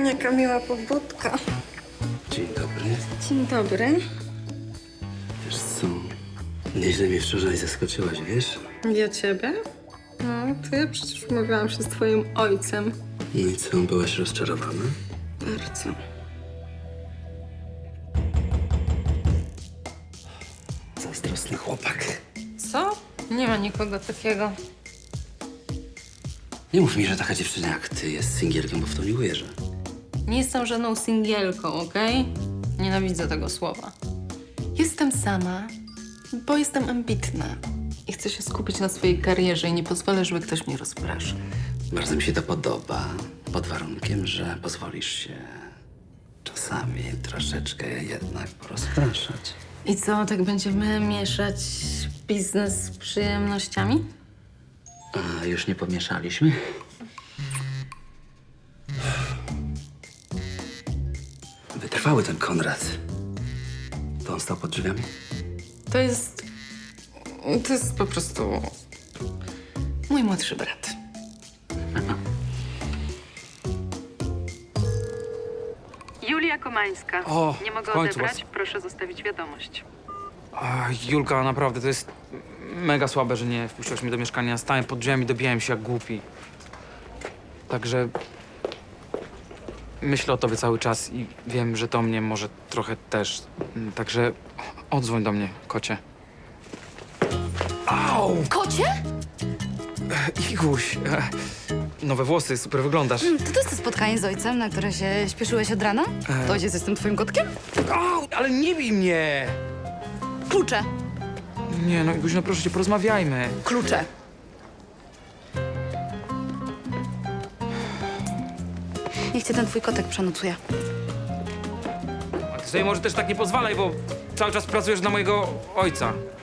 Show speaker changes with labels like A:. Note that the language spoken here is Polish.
A: Jaka miła pobudka.
B: Dzień dobry.
A: Dzień dobry.
B: Wiesz co, nieźle mnie wczoraj zaskoczyłaś, wiesz?
A: Ja ciebie? No, to ja przecież umawiałam się z twoim ojcem.
B: No i co, byłaś rozczarowana?
A: Bardzo.
B: Zazdrosny chłopak.
A: Co? Nie ma nikogo takiego.
B: Nie mów mi, że taka dziewczyna jak ty jest singielką, bo w to nie uwierzę.
A: Nie jestem żadną singielką, okej? Nienawidzę tego słowa. Jestem sama, bo jestem ambitna. I chcę się skupić na swojej karierze i nie pozwolę, żeby ktoś mnie rozpraszał.
B: Bardzo mi się to podoba, pod warunkiem, że pozwolisz się czasami troszeczkę jednak porozpraszać.
A: I co, tak będziemy mieszać biznes z przyjemnościami?
B: A już nie pomieszaliśmy? Wytrwały ten Konrad. To on stał pod drzwiami?
A: To jest po prostu mój młodszy brat.
C: Julia Komańska.
D: O,
C: Nie mogę
D: w końcu
C: odebrać, proszę zostawić wiadomość.
D: Julka, naprawdę, to jest mega słabe, że nie wpuściłaś mnie do mieszkania. Stałem pod drzwiami, dobijałem się jak głupi. Także myślę o tobie cały czas i wiem, że to mnie może trochę też. Także odzwoń do mnie, kocie. Au!
E: Kocie?
D: Iguś, nowe włosy, super wyglądasz.
E: To jest to spotkanie z ojcem, na które się śpieszyłeś od rana? To ojciec jest tym twoim kotkiem?
D: Au, ale nie bij mnie!
E: Klucze.
D: Nie, no Iguś, no proszę cię, porozmawiajmy.
E: Klucze. Niech cię ten twój kotek przenocuje.
D: A ty sobie może też tak nie pozwalaj, bo cały czas pracujesz na mojego ojca.